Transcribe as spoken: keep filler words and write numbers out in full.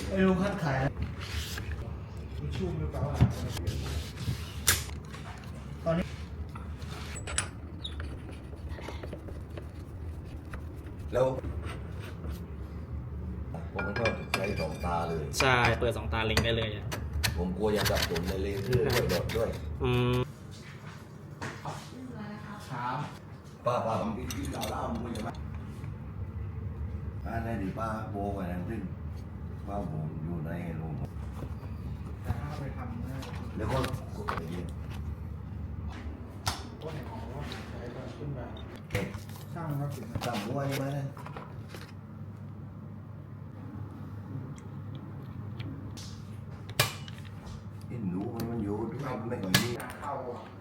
ไอ้ลุงคัดขายชุ่มหรือเปล่าตอนนี้แล้วผมก็ใช้สองตาเลยใช่เปิดสองตาเล็งได้เลยอ่ะผมกลัวอย่าสับสนในเลนด้วยโดดด้วยอืมป้าป้าผมกินกินเหล้าเหล้ามึงใช่ไหมป้าในดิป้าโบกันนั่นซึ่งป้าผมอยู่ในโรงแต่ถ้าไปทำนะแล้วก็กดไปเยอะก็เห็นของว่าใช้ก็ขึ้นมาเก็บช่างก็ถึงตั้งหัวใช่ไหมนั่นอินหนูมันมันอยู่ด้วยไม่ก่อนนี้เข้า